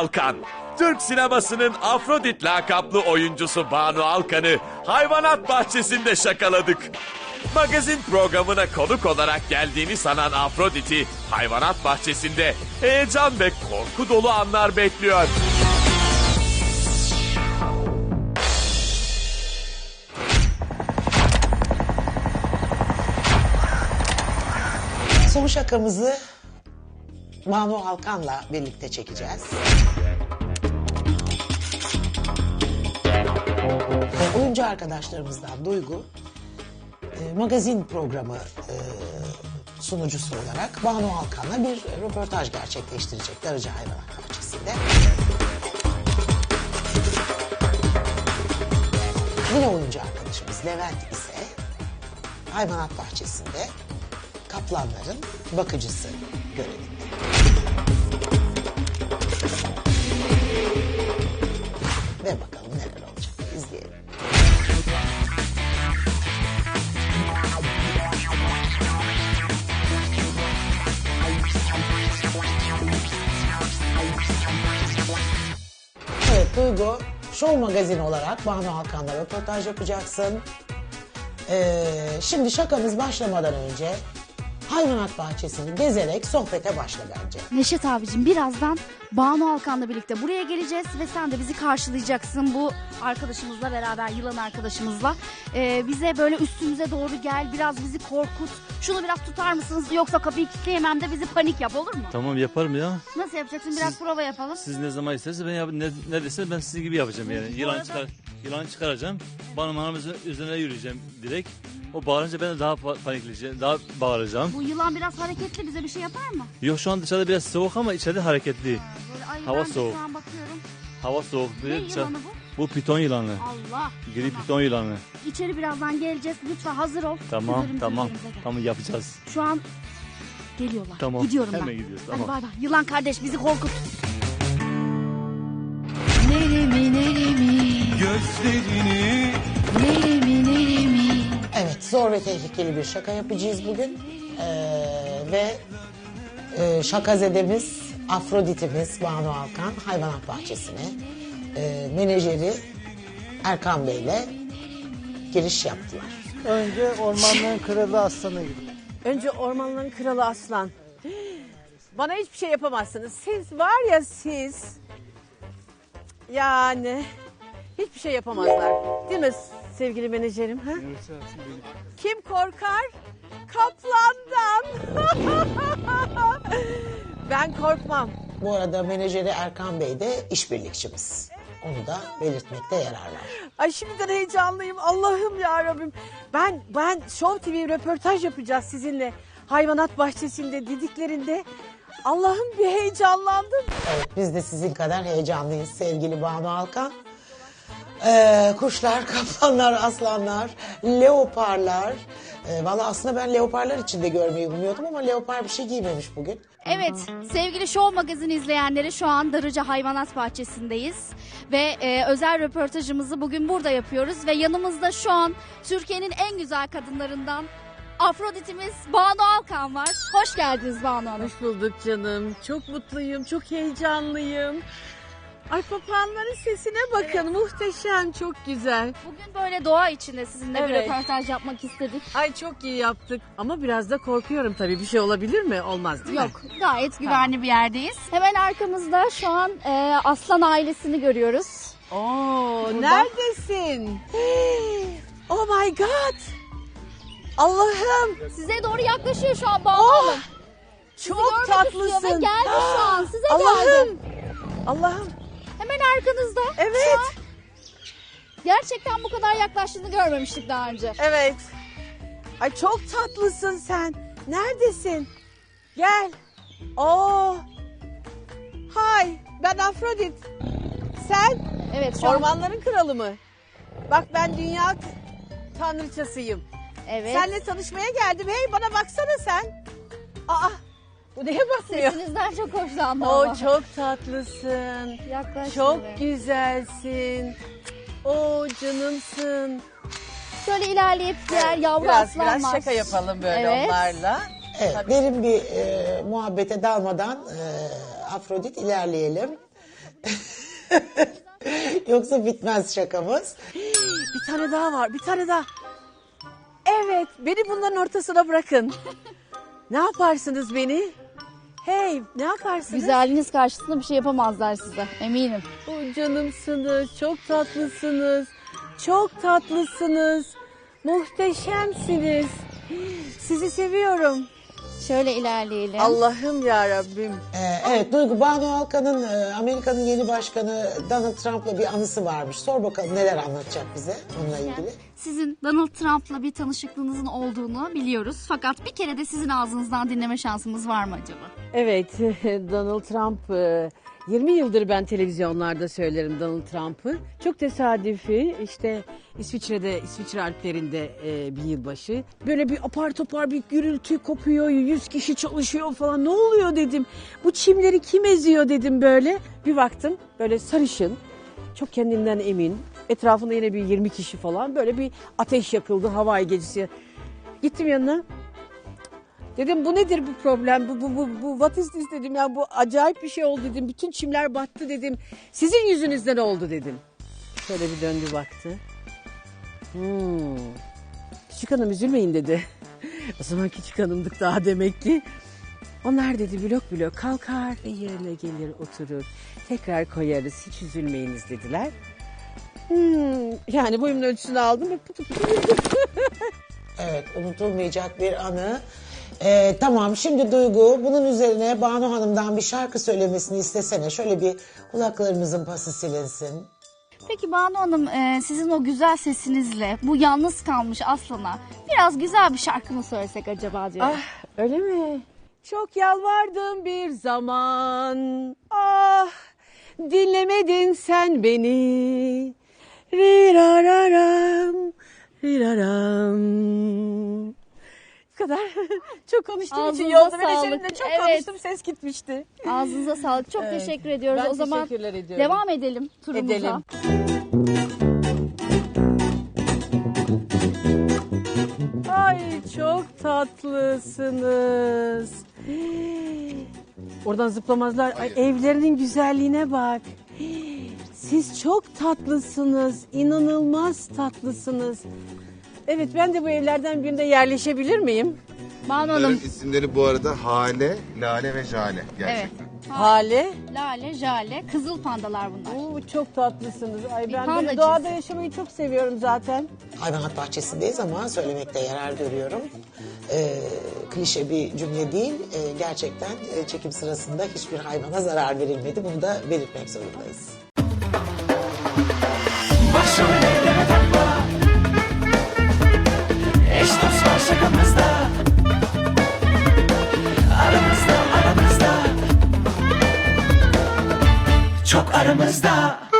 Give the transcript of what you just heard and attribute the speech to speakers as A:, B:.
A: Alkan. Türk sinemasının Afrodit lakaplı oyuncusu Banu Alkan'ı hayvanat bahçesinde şakaladık. Magazin programına konuk olarak geldiğini sanan Afrodit'i hayvanat bahçesinde heyecan ve korku dolu anlar bekliyor.
B: Son şakamızı Banu Alkan'la birlikte çekeceğiz. Oyuncu arkadaşlarımızdan Duygu, magazin programı sunucusu olarak Banu Alkan'la bir röportaj gerçekleştirecek Darıca Hayvanat Bahçesi'nde. Yine oyuncu arkadaşımız Levent ise hayvanat bahçesinde kaplanların bakıcısı görevinde. Ve bakalım neler olacak, izleyelim. Evet Duygu, Show Magazin olarak Banu Alkan'la röportaj yapacaksın. Şimdi şakamız başlamadan önce hayvanat bahçesini gezerek sohbete başla bence.
C: Neşet abicim, birazdan Banu Alkan'la birlikte buraya geleceğiz ve sen de bizi karşılayacaksın bu arkadaşımızla beraber, yılan arkadaşımızla. Bize böyle üstümüze doğru gel, biraz bizi korkut. Şunu biraz tutar mısınız, yoksa kapıyı kilitleyemem de bizi panik yap, olur mu?
D: Tamam, yaparım ya.
C: Nasıl yapacaksın? Biraz prova yapalım.
D: Siz ne zaman isterseniz ben ne deseniz ben sizin gibi yapacağım yani. Yılan çıkaracağım. Bana hanımızın üzerine yürüyeceğim direkt. O bağırınca ben de daha panikleyeceğim, daha bağıracağım.
C: Bu yılan biraz hareketli, bize bir şey yapar mı?
D: Yok, şu an dışarıda biraz soğuk ama içeride hareketli.
C: Böyle, ay,
D: Hava
C: ben de
D: soğuk.
C: şu an bakıyorum.
D: Hava soğuk.
C: Ne yılanı bu?
D: Bu piton yılanı.
C: Allah.
D: Gri
C: Tamam.
D: piton yılanı.
C: İçeri birazdan geleceğiz. Lütfen hazır ol.
D: Tamam,
C: Üzerimize
D: tamam.
C: gel.
D: Tamam, yapacağız.
C: Şu an geliyorlar.
D: Tamam.
C: Gidiyorum ben.
D: Hemen gidiyoruz.
C: Hadi
D: Tamam.
C: bay bay. Yılan kardeş, bizi korkut. Neremi neremi.
E: Gözlerini
C: Neremi neremi.
B: Evet, zor ve tehlikeli bir şaka yapacağız bugün. Ve şakazedemiz, Afrodit'imiz Banu Alkan hayvanat bahçesine menajeri Erkan Bey'le giriş yaptılar.
F: Önce ormanların kralı aslanı gibi.
G: Önce ormanların kralı aslan. Bana hiçbir şey yapamazsınız. Siz var ya siz. Yani hiçbir şey yapamazlar. Değil mi sevgili menajerim? Ha? Kim korkar? Kaplandan. Ben korkmam.
B: Bu arada menajeri Erkan Bey de işbirlikçimiz. Onu da belirtmekte yarar var.
G: Ay şimdiden heyecanlıyım. Allah'ım ya Rabbim. Ben Show TV röportaj yapacağız sizinle. Hayvanat bahçesinde dediklerinde Allah'ım bir heyecanlandım.
B: Evet, biz de sizin kadar heyecanlıyız sevgili Banu Alkan. Kuşlar, kaplanlar, aslanlar, leoparlar. Valla aslında ben leoparlar içinde görmeyi umuyordum ama leopar bir şey giymemiş bugün.
C: Evet, sevgili Show Magazin izleyenleri, şu an Darıca Hayvanat Bahçesi'ndeyiz. Ve özel röportajımızı bugün burada yapıyoruz. Ve yanımızda şu an Türkiye'nin en güzel kadınlarından Afrodit'imiz Banu Alkan var. Hoş geldiniz Banu Hanım.
G: Hoş bulduk canım. Çok mutluyum, çok heyecanlıyım. Ay papağanların sesine bakın. Muhteşem, çok güzel.
C: Bugün böyle doğa içinde sizinle bir
G: Evet.
C: röportaj yapmak istedik.
G: Ay çok iyi yaptık. Ama biraz da korkuyorum tabii. Bir şey olabilir mi? Olmaz değil mi?
C: Yok, gayet güvenli bir yerdeyiz. Hemen arkamızda şu an aslan ailesini görüyoruz.
G: Oo,
C: Burada.
G: neredesin? Oh my God. Allah'ım.
C: Size doğru yaklaşıyor şu an Banu
G: Oh,
C: Hanım.
G: çok
C: görmek istiyor
G: tatlısın.
C: ve geldi şu an, size
G: Allah'ım.
C: geldi.
G: Allah'ım.
C: Hemen arkanızda.
G: Evet.
C: Şu an gerçekten bu kadar yaklaştığını görmemiştik daha önce.
G: Evet. Ay çok tatlısın sen. Neredesin? Gel. Oo. Hay, ben Afrodit. Sen
C: Evet, şu an.
G: ormanların kralı mı? Bak ben dünya tanrıçasıyım.
C: Evet.
G: Seninle tanışmaya geldim. Hey bana baksana sen. Aa, bu neye bakmıyor?
C: Sesinizden çok hoşlandım.
G: Oo
C: ama.
G: çok tatlısın.
C: Yaklaş
G: Çok
C: şimdi.
G: güzelsin. Oo canımsın.
C: Şöyle ilerleyip diğer yavru
G: Biraz
C: aslanlar.
G: şaka yapalım böyle
C: Evet.
G: onlarla.
B: Evet,
G: Tabii.
B: derin bir muhabbete dalmadan Afrodit ilerleyelim. Yoksa bitmez şakamız.
G: Bir tane daha var, bir tane daha. Evet, beni bunların ortasına bırakın. Ne yaparsınız beni? Hey, ne yaparsınız?
C: Güzelliğiniz karşısında bir şey yapamazlar size, eminim.
G: O canımsınız, çok tatlısınız. Çok tatlısınız. Muhteşemsiniz. Sizi seviyorum.
C: Şöyle ilerleyelim.
G: Allah'ım ya Rabbim.
B: Evet Duygu, Banu Alkan'ın Amerika'nın yeni başkanı Donald Trump'la bir anısı varmış. Sor bakalım neler anlatacak bize onunla ilgili.
C: Sizin Donald Trump'la bir tanışıklığınızın olduğunu biliyoruz. Fakat bir kere de sizin ağzınızdan dinleme şansımız var mı acaba?
G: Evet, Donald Trump, 20 yıldır ben televizyonlarda söylerim Donald Trump'ı. Çok tesadüfi, işte İsviçre Alplerinde bir yılbaşı. Böyle bir apar topar bir gürültü kopuyor, 100 kişi çalışıyor falan. Ne oluyor dedim, bu çimleri kim eziyor dedim böyle. Bir baktım böyle sarışın, çok kendinden emin. Etrafında yine bir 20 kişi falan, böyle bir ateş yakıldı Hawaii gecesi. Gittim yanına. Dedim bu nedir bu problem? Bu what is this dedim ya, bu acayip bir şey oldu dedim. Bütün çimler battı dedim. Sizin yüzünüzden oldu dedim. Şöyle bir döndü baktı. Küçük hanım üzülmeyin dedi. O zaman küçük hanımdık daha demek ki. Onlar dedi blok blok kalkar yerine gelir oturur. Tekrar koyarız, hiç üzülmeyiniz dediler. Yani boyumun ölçüsünü aldım ve pıtı pıtı yürüdüm.
B: Evet, unutulmayacak bir anı. Tamam, şimdi Duygu bunun üzerine Banu Hanım'dan bir şarkı söylemesini istesene. Şöyle bir kulaklarımızın pası silinsin.
C: Peki Banu Hanım, sizin o güzel sesinizle bu yalnız kalmış aslana biraz güzel bir şarkı mı söylesek acaba diyorum.
G: Ah, öyle mi? Çok yalvardım bir zaman. Ah, dinlemedin sen beni. Rirararam, riraram. Bu kadar. Çok konuştuğum için
C: Ağzınıza
G: yolda
C: sağlık.
G: menajerimle çok
C: Evet.
G: konuştum, ses gitmişti.
C: Ağzınıza sağlık. Çok teşekkür ediyoruz.
G: Ben
C: O zaman
G: teşekkürler ediyorum.
C: devam edelim turumuza.
G: Edelim. Ay çok tatlısınız. Oradan zıplamazlar. Ay, evlerinin güzelliğine bak. Siz çok tatlısınız. İnanılmaz tatlısınız. Evet, ben de bu evlerden birinde yerleşebilir miyim?
C: Banu
H: Bunların
C: Hanım.
H: isimleri bu arada Hale, Lale ve Jale gerçekten.
C: Evet.
G: Hale.
C: Lale, Jale, kızıl pandalar bunlar.
G: Oo, çok tatlısınız. Ay, ben
C: panda
G: böyle doğada
C: cinsi.
G: yaşamayı çok seviyorum zaten.
B: Hayvanat bahçesindeyiz ama söylemekte yarar görüyorum. Klişe bir cümle değil. Gerçekten çekim sırasında hiçbir hayvana zarar verilmedi. Bunu da belirtmek zorundayız.
E: Başrollere takla. Eş dost var şakamızda. Aramızda. Çok aramızda.